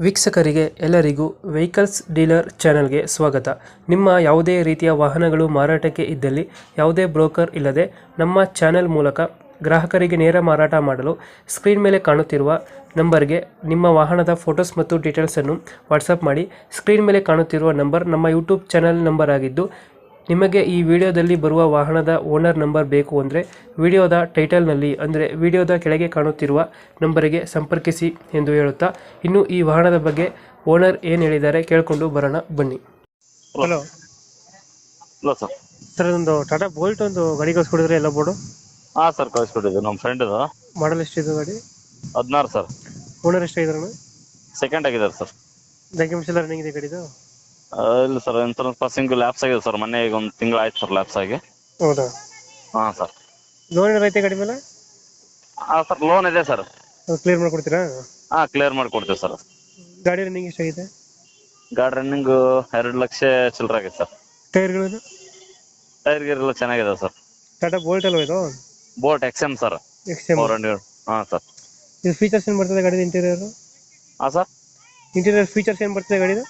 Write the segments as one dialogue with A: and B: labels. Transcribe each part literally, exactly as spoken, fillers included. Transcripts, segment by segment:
A: ವೀಕ್ಷಕರಿಗೆ ಎಲ್ಲರಿಗೂ vehicles dealer ಚಾನೆಲ್ಗೆ ಸ್ವಾಗತ. ನಿಮ್ಮ ಯಾವುದೇ ರೀತಿಯ ವಾಹನಗಳು ಮಾರಾಟಕ್ಕೆ ಇದ್ದಲ್ಲಿ ಯಾವುದೇ ಬ್ರೋಕರ್ ಇಲ್ಲದೆ ನಮ್ಮ ಚಾನೆಲ್ ಮೂಲಕ ಗ್ರಾಹಕರಿಗೆ ನೇರ ಮಾರಾಟ ಮಾಡಲು ಸ್ಕ್ರೀನ್ ಮೇಲೆ ಕಾಣುತ್ತಿರುವ ನಂಬರ್ಗೆ ನಿಮ್ಮ ವಾಹನದ ಫೋಟೋಸ್ ಮತ್ತು ಡೀಟೇಲ್ಸನ್ನು ವಾಟ್ಸಪ್ ಮಾಡಿ. ಸ್ಕ್ರೀನ್ ಮೇಲೆ ಕಾಣುತ್ತಿರುವ ನಂಬರ್ ನಮ್ಮ ಯೂಟ್ಯೂಬ್ ಚಾನೆಲ್ ನಂಬರ್ ಆಗಿದ್ದು, ನಿಮಗೆ ಈ ವಿಡಿಯೋದಲ್ಲಿ ಬರುವ ವಾಹನದ ಓನರ್ ನಂಬರ್ ಬೇಕು ಅಂದರೆ ವಿಡಿಯೋದ ಟೈಟಲ್ನಲ್ಲಿ ಅಂದರೆ ವಿಡಿಯೋದ ಕೆಳಗೆ ಕಾಣುತ್ತಿರುವ ನಂಬರಿಗೆ ಸಂಪರ್ಕಿಸಿ ಎಂದು ಹೇಳುತ್ತಾ, ಇನ್ನು ಈ ವಾಹನದ ಬಗ್ಗೆ ಓನರ್ ಏನು ಹೇಳಿದ್ದಾರೆ ಕೇಳಿಕೊಂಡು ಬರೋಣ ಬನ್ನಿ. Hello
B: hello sir.
A: ಸರ್, ಒಂದು ಟಾಟಾ ಬೋಲ್ಟ್ ಒಂದು ಗಾಡಿ ಕಳಿಸ್ಕೊಡಿದ್ರೆ ಎಲ್ಲ ಬೋರ್ಡು
B: ಹಾಂ ಸರ್, ಕಳಿಸ್ಕೊಟ್ಟಿದ್ದು ನಮ್ಮ ಫ್ರೆಂಡ್ ಇದು.
A: ಮಾಡಲ್ ಎಷ್ಟಿದೆ ಗಾಡಿ?
B: ಹದಿನಾರು ಸರ್.
A: ಓನರ್ ಎಷ್ಟಾಗಿದಾರಣ?
B: ಸೆಕೆಂಡ್ ಆಗಿದ್ದಾರೆ ಸರ್.
A: ಡಾಕ್ಯುಮೆಂಟ್ಸ್ ಎಲ್ಲ ರನ್ನಿಂಗ್ ಇದೆ ಗಾಡಿದು?
B: ಇಲ್ಲ ಸರ್, ಇನ್ಸೂರೆನ್ಸ್ ಪಾಸಿಂಗ್ ಲ್ಯಾಪ್ಸ್ ಆಗಿದೆ ಸರ್. ಮೊನ್ನೆ ಈಗ ಒಂದು ತಿಂಗಳು ಆಯ್ತು ಸರ್ ಲ್ಯಾಪ್ಸ್ ಆಗಿ.
A: ಹೌದಾ?
B: ಹಾಂ ಸರ್.
A: ಲೋನ್ ಏನಾರು ಐತೆ ಗಾಡಿ ಮೇಲೆ?
B: ಹಾಂ ಸರ್, ಲೋನ್ ಇದೆ ಸರ್.
A: ಕ್ಲಿಯರ್ ಮಾಡ್ಕೊಡ್ತೀರಾ?
B: ಹಾಂ, ಕ್ಲಿಯರ್ ಮಾಡಿಕೊಡ್ತೀವಿ ಸರ್.
A: ಗಾಡಿ ರನ್ನಿಂಗ್ ಎಷ್ಟಾಗಿದೆ?
B: ಗಾಡಿ ರನ್ನಿಂಗು ಎರಡು ಲಕ್ಷ ಚಿಲ್ಲರೆ ಆಗಿದೆ ಸರ್.
A: ಟೈರ್ಗಳು?
B: ಟೈರ್ ಗೀರ್ ಎಲ್ಲ ಚೆನ್ನಾಗಿದೆ ಸರ್.
A: ಟಾಟಾ ಬೋಲ್ಟ್ ಅಲ್ವಾ ಇದು?
B: Bolt X M sir,
A: X M.
B: Four hundred. ಹಾಂ ಸರ್.
A: ಇದು ಫೀಚರ್ಸ್ ಏನು ಬರ್ತದೆ ಗಾಡಿದ? ಇಂಟೀರಿಯರ್
B: ಹಾಂ ಸರ್,
A: ಇಂಟೀರಿಯರ್ ಫೀಚರ್ಸ್ ಏನು ಬರ್ತದೆ ಗಾಡಿದು?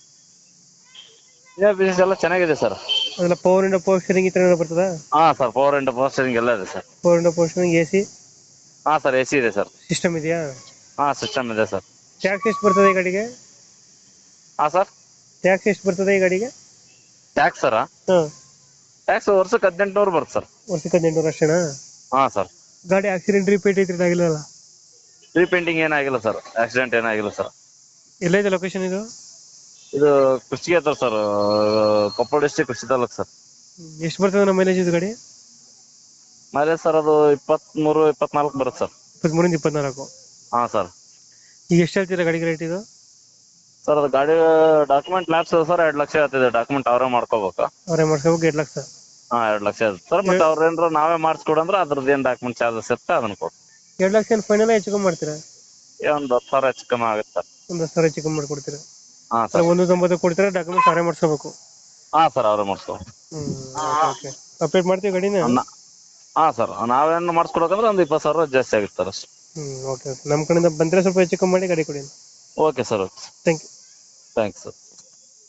B: ಇದೇ ಬಿಸಿನೆಸ್ ಎಲ್ಲ ಚೆನ್ನಾಗಿದೆ ಸರ್.
A: ಅದೆಲ್ಲ ಪವರ್ ಇಂಡ ಪವರ್ ಸ್ಟೀರಿಂಗ್ ಈ ಥರ ಏನಾದ್ರು ಬರ್ತದಾ?
B: ಹಾಂ sir, power and power steering ಎಲ್ಲ ಇದೆ ಸರ್.
A: ಪವರ್ ಇಂಡ ಪವರ್ ಸ್ಟೀರಿಂಗ್, ಎ ಸಿ
B: ಹಾಂ ಸರ್, ಎ ಸಿ ಇದೆ ಸರ್.
A: ಸಿಸ್ಟಮ್ ಇದೆಯಾ?
B: ಹಾಂ, ಸಿಸ್ಟಮ್ ಇದೆ ಸರ್.
A: ಟ್ಯಾಕ್ಸ್ ಎಷ್ಟು ಬರ್ತದೆ ಈ ಗಾಡಿಗೆ?
B: ಹಾಂ ಸರ್.
A: ಟ್ಯಾಕ್ಸ್ ಎಷ್ಟು ಬರ್ತದೆ ಈ ಗಾಡಿಗೆ?
B: ಟ್ಯಾಕ್ಸ್ ಸರ್,
A: ಹಾಂ,
B: ಟ್ಯಾಕ್ಸ್ ವರ್ಷಕ್ಕೆ ಹದಿನೆಂಟುನೂರು ಬರುತ್ತೆ ಸರ್.
A: ವರ್ಷಕ್ಕೆ ಹದಿನೆಂಟುನೂರು ಅಷ್ಟೇನಾ?
B: ಹಾಂ ಸರ್.
A: ಗಾಡಿ ಆಕ್ಸಿಡೆಂಟ್ ರಿಪೇಟ್ ಐತ್ರಿ ಆಗಿಲ್ಲಲ್ಲ?
B: ರೀಪೇಂಟಿಂಗ್ ಏನಾಗಿಲ್ಲ ಸರ್, ಆಕ್ಸಿಡೆಂಟ್ ಏನಾಗಿಲ್ಲ ಸರ್.
A: ಎಲ್ಲ ಇದೆ ಲೊಕೇಶನ್ ಇದು?
B: ಇದು ಕುಷ್ಟಗಿ ಹತ್ರ sir, Koppal district Kushtagi taluk sir.
A: ಎಷ್ಟು ಬರ್ತದೆ ನಮ್ಮ ಮೈಲೇಜ್ ಇದು ಗಾಡಿ?
B: ಮೈಲೇಜ್ ಸರ್ ಅದು ಇಪ್ಪತ್ತ್ಮೂರು ಇಪ್ಪತ್ನಾಲ್ಕು ಬರುತ್ತೆ ಸರ್.
A: ಇಪ್ಪತ್ಮೂರಿಂದ ಇಪ್ಪತ್ನಾಲ್ಕು?
B: ಹಾಂ ಸರ್.
A: ಈಗ ಎಷ್ಟು ಹೇಳ್ತೀರಾ ಗಾಡಿಗೆ ರೇಟ್ ಇದು?
B: ಸರ್ ಅದು ಗಾಡಿ ಡಾಕ್ಯುಮೆಂಟ್ ಲ್ಯಾಪ್ಸ್ ಸರ್, ಎರಡು ಲಕ್ಷ ಆಗ್ತಿದೆ. ಡಾಕ್ಯುಮೆಂಟ್ ಅವರೇ ಮಾಡ್ಕೋಬೇಕು.
A: ಅವರೇ ಮಾಡ್ಸ್ಕೋಬೇಕು, ಎರಡು ಲಕ್ಷ?
B: ಹಾಂ, ಎರಡು ಲಕ್ಷ ಆಗುತ್ತೆ ಸರ್. ಮತ್ತೆ ಅವ್ರ ಏನಾರ ನಾವೇ ಮಾಡಿಸ್ಕೊಡಂದ್ರೆ ಅದ್ರದ್ದು ಏನು ಡಾಕ್ಯುಮೆಂಟ್ ಚಾರ್ಜಸ್ ಇರುತ್ತೆ ಅದನ್ನ ಕೊಡು.
A: ಎರಡು ಲಕ್ಷ ಏನು ಫೈನಲ್ ಹೆಚ್ಚು ಕಮ್ಮಿ ಮಾಡ್ತೀರಾ?
B: ಒಂದು ಹತ್ತು ಸಾವಿರ ಹೆಚ್ಚು ಕಮ್ಮಿ ಆಗುತ್ತೆ ಸರ್.
A: ಒಂದು ಹತ್ತು ಸಾವಿರ ಹೆಚ್ಚು ಕಮ್ಮಿ ಮಾಡ್ಕೊಡ್ತೀರಾ?
B: ಹಾಂ ಸರ್.
A: ಒಂದು ತೊಂಬತ್ತು ಕೊಡ್ತೀರಾ, ಡಾಕ್ಯುಮೆಂಟ್ಸ್ ಅವರೇ ಮಾಡಿಸ್ಕೋಬೇಕು?
B: ಹಾಂ ಸರ್, ಅವರೇ ಮಾಡಿಸ್ಕೋಬೇಕು.
A: ಹ್ಞೂ, ಓಕೆ. ಅಪ್ಡೇಟ್ ಮಾಡ್ತೀವಿ ಗಾಡಿನ?
B: ಹಾಂ ಸರ್, ನಾವೇನು ಮಾಡಿಸ್ಕೊಡೋಕಂದ್ರೆ ಒಂದು ಇಪ್ಪತ್ತು ಸಾವಿರ ಜಾಸ್ತಿ ಆಗುತ್ತೆ ಸರ್ ಅಷ್ಟು.
A: ಹ್ಞೂ, ಓಕೆ ಓಕೆ. ನಮ್ಮ ಕಡೆಯಿಂದ ಬಂದರೆ ಸ್ವಲ್ಪ ಹೆಚ್ಚು ಕಮ್ಮಿ ಮಾಡಿ ಗಾಡಿ ಕೊಡಿ.
B: Okay sir, okay.
A: Thank you.
B: Thanks sir.